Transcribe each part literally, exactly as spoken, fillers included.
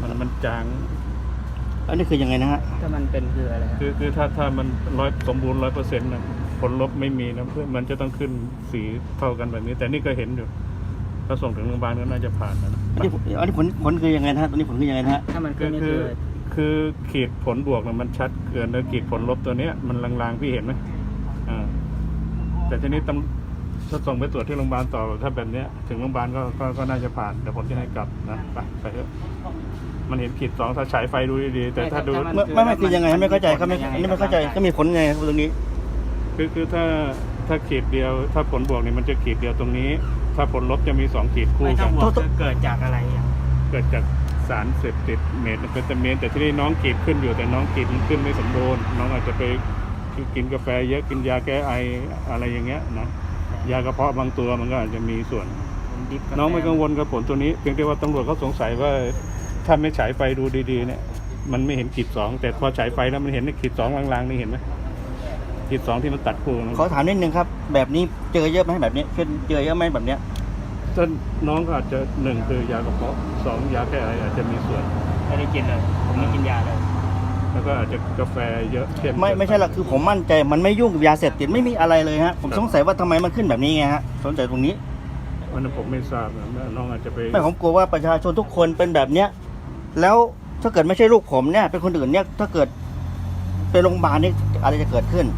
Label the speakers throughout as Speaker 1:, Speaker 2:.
Speaker 1: มันมันจาง
Speaker 2: อันนี้คือยังไงนะฮะ
Speaker 3: ถ้ามันเป็นคืออะไร
Speaker 1: คือคือถ้าถ้ามันร้อยสมบูรณ์ร้อยเปอร์เซ็นต์นะผลลบไม่มีนะเพื่อมันจะต้องขึ้นสีเท่ากันแบบนี้ แต่นี่ก็เห็นอยู่ถ้าส่งถึงโรงพยาบาลก็น่าจะผ่านนะ
Speaker 2: อันนี้อันนี้ผลผลคือยังไงนะฮะตัวนี้ผลคือยังไงนะฮะ
Speaker 3: ถ้ามัน
Speaker 1: คื
Speaker 3: ขึ้น
Speaker 1: อ
Speaker 3: นี่
Speaker 1: คื
Speaker 3: คือ อ
Speaker 1: คือขีดผลบวกนะมันชัดเกินแล้วขีดผลลบตัวเนี้ยมันลางๆพี่เห็นไหมอ่าแต่ทีนี้ตำถ้าส่งไปตรวจที่โรงพยาบาลต่อถ้าแบบเนี้ยถึงโรงพยาบาลก็ก็ก็น่าจะผ่านแต่ผมจะให้กลับนะไปไปเถอะมันเห็นขีดสองถ้าฉายไฟดูดีๆแต่ถ้าดู
Speaker 2: ไม่ไม่ไม่คือยังไงไม่เข้าใจครับไม่อันนี้ไม่เข้าใจก็มีผลไงครับตรงนี้
Speaker 1: คือคือถ้าถ้าขีดเดียวถ้าผลบวกเนี่ยมันจะขีดเดียวตรงนี้ ถ้าผลลบจะมีสองขีดคู่
Speaker 3: ไม่
Speaker 1: กั
Speaker 3: ถ้าน บวกคือเกิดจากอะไรอย่าง
Speaker 1: เกิดจากสารเสพติดเมทแอมเฟตามีนแต่ที่นี่น้องขีดขึ้นอยู่แต่น้องขีดมันขึ้นไม่สมบูรณ์น้องอาจจะไปกินกาแฟเยอะกินยาแก้ไออะไรอย่างเงี้ยนะยากระเพาะบางตัวมันก็อาจจะมีส่วน
Speaker 3: ผมดิฟกาแฟ
Speaker 1: น้องไม่กังวลกับผลตัวนี้เพียงแต่ว่าตำรวจเขาสงสัยว่าถ้าไม่ฉายไฟดูดีๆเนี่ยมันไม่เห็นขีดสองแต่พอฉายไฟแล้วมันเห็นขีดสองลางๆนี่เห็นไหมขีดสองที่มันตัดคู่นะ
Speaker 2: ขอถามนิดนึงครับแบบนี้เจอเยอะไหมแบบนี้เจอเยอะไหมแบบเนี้ย
Speaker 1: ถ้าน้องก็อาจจะหนึ่งคือยากระเพาะสองยาแก้ไออาจจะมีส่วน
Speaker 3: ไม่ได้กินเลยผมไม่กินยาเลย
Speaker 1: แล้วก็อาจจะกาแฟเยอะเข้ม
Speaker 2: ไม่ไม่ใช่หรอกคือผมมั่นใจมันไม่ยุ่งกับยาเสพติดไม่มีอะไรเลยฮะผมสงสัยว่าทำไมมันขึ้นแบบนี้ไงฮะสนใจตรงนี้
Speaker 1: วันนั้นผมไม่ทราบนะน้องอาจจะไป
Speaker 2: ไม่ผมกลัวว่าประชาชนทุกคนเป็นแบบเนี้ยแล้วถ้าเกิดไม่ใช่ลูกผมเนี่ยเป็นคนอื่นเนี่ยถ้าเกิดไปโรงพยาบาลนี่อะไรจะเกิดขึ้น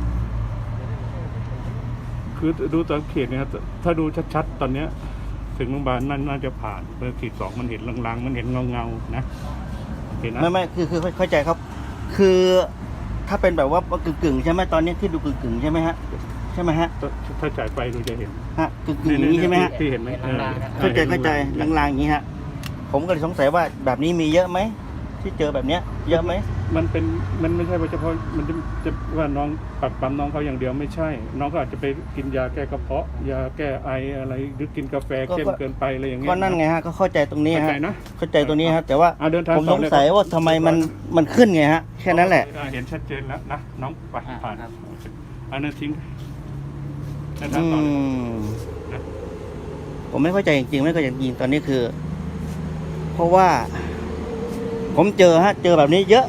Speaker 1: คือดูตอนขีดเนี่ยครับถ้าดูชัดๆตอนเนี้ยถึงโรงพยาบาลนั่นน่าจะผ่านเมื่อขีดสองมันเห็นลางๆมันเห็นเงาๆนะเห็นนะ
Speaker 2: ไม่ไม่คือคือเข้าใจครับ คือถ้าเป็นแบบว่ากึ่งกึ่งๆใช่ไหมตอนนี้ที่ดูกึ่งกึ่งๆใช่ไหมฮะใช่ไหมฮะ
Speaker 1: ถ้าฉายไฟดูจะเห็น
Speaker 2: ฮะกึ่งกึ่งๆอย่างนี้ใช่ไหมฮะ
Speaker 1: ที่เห็นไหมออ
Speaker 2: เข้าใจเข้าใจลางๆอย่างนี้ฮะผมก็เลยสงสัยว่าแบบนี้มีเยอะไหมที่เจอแบบเนี้ยเยอะไหม
Speaker 1: มันเป็นมันไม่ใช่ว่าเฉพาะมันจะจะว่าน้องปักปั๊มน้องเขาอย่างเดียวไม่ใช่ น้องก็อาจจะไปกินยาแก้กระเพาะยาแก้ไออะไรหรือกินกาแฟเข้มเกินไปอะไรอย่างเงี้ย
Speaker 2: ก็นั่นไงฮะก็เข้าใจตรงนี้
Speaker 1: เข้า
Speaker 2: ฮะ
Speaker 1: ใจนะ
Speaker 2: เข้าใจตรงนี้ฮะแต่ว่า
Speaker 1: อ่ะเดินทาง
Speaker 2: ผม
Speaker 1: ต่
Speaker 2: ส
Speaker 1: อง เลย
Speaker 2: สัยว่าทำไมมันมันขึ้นไงฮะแค่นั้นแหละ
Speaker 1: เห็นชัดเจนแล้วนะน้องไป
Speaker 3: อ่า
Speaker 1: ผ่าน
Speaker 3: ครับ
Speaker 1: อันนั้นทิ้งเดินทา
Speaker 2: อื
Speaker 1: งต่อเลย
Speaker 2: ม
Speaker 1: นะ
Speaker 2: ผมไม่เข้าใจจริงๆไม่เข้าใจจริงๆตอนนี้คือ เพราะว่า ผมเจอฮะ เจอแบบนี้เยอะ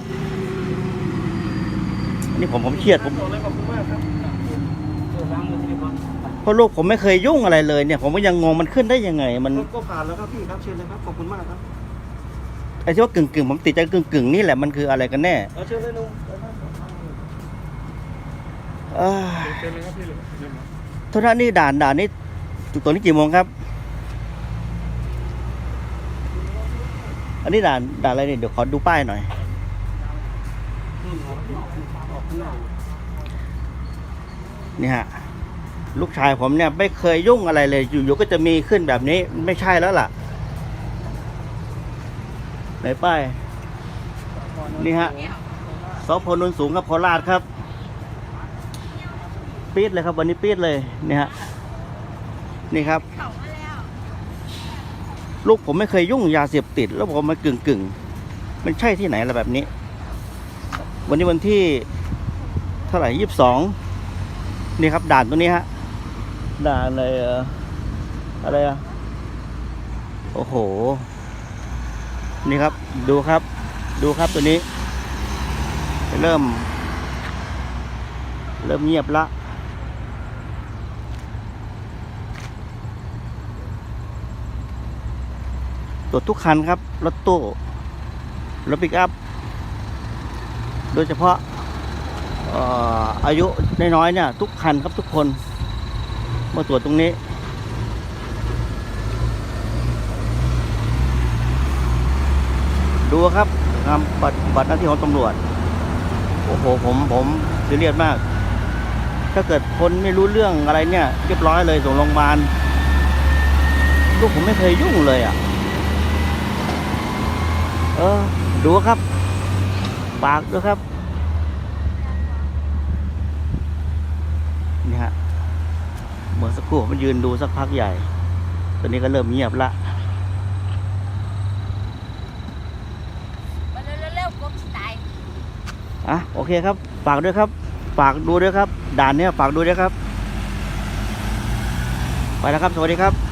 Speaker 2: นี่ผมผมเครียดผม
Speaker 1: ขอบคุณมากครับ
Speaker 3: เออล้างมือที่นี่ก่อน
Speaker 2: เพราะลูกผมไม่เคยยุ่งอะไรเลยเนี่ย ผมก็ยังงงมันขึ้นได้ยังไง มัน
Speaker 1: ก็ผ่านแล้วครับพี่ครับเชิญเลยครับขอบคุณมากครับ
Speaker 2: ไอ้ที่ว่ากึ่งกึ่งๆผมติดใจกึ่งกึ่งๆนี่แหละมันคืออะไรกันแน่
Speaker 1: เอาเชิญเลยลุง
Speaker 2: เอ้ย
Speaker 1: เชิญเลยครับพี่เลยเชิญเลย
Speaker 2: โทษนะนี่ด่านด่านนี่จุดตัวนี้กี่โมงครับ อันนี้ด่านด่านอะไรเนี่ยเดี๋ยวขอดูป้ายหน่อย นี่ฮะ ลูกชายผมเนี่ยไม่เคยยุ่งอะไรเลย อยู่ๆก็จะมีขึ้นแบบนี้ไม่ใช่แล้วล่ะไหนป้ายนี่ฮะสพนนสูงครับโคราชครับปี๊ดเลยครับวันนี้ปี๊ดเลยนี่ฮะนี่ครับ ลูกผมไม่เคยยุ่งยาเสพติดแล้วผมมากึ่งกึ่งๆมันใช่ที่ไหนล่ะแบบนี้ วันนี้วันที่เท่าไหร่ยี่สิบสองนี่ครับด่านตัวนี้ฮะด่านอะไรเอ่ออะไรอะโอ้โหนี่ครับดูครับ ดูครับตัวนี้ เริ่ม เริ่มเงียบละตรวจทุกคันครับรถตู้รถปิกอัพโดยเฉพาะเอ่ออายุน้อยๆเนี่ยทุกคันครับทุกคนมาตรวจตรงนี้ดูครับงานบัตรบัตรหน้าที่ของตำรวจโอ้โหผมผมซีเรียสมากถ้าเกิดคนไม่รู้เรื่องอะไรเนี่ยเรียบร้อยเลยส่งโรงพยาบาลลูกผมไม่เคยยุ่งเลยอ่ะเออดูครับปากด้วยครับนี่ฮะเมื่อสักครู่มันยืนดูสักพักใหญ่ตอนนี้ก็เริ่มเงียบละ
Speaker 4: เร็วๆกบสไตล์
Speaker 2: อ่ะโอเคครับฝากด้วยครับฝากดูด้วยครับด่านเนี้ยฝากดูด้วยครับไปแล้วครับสวัสดีครับ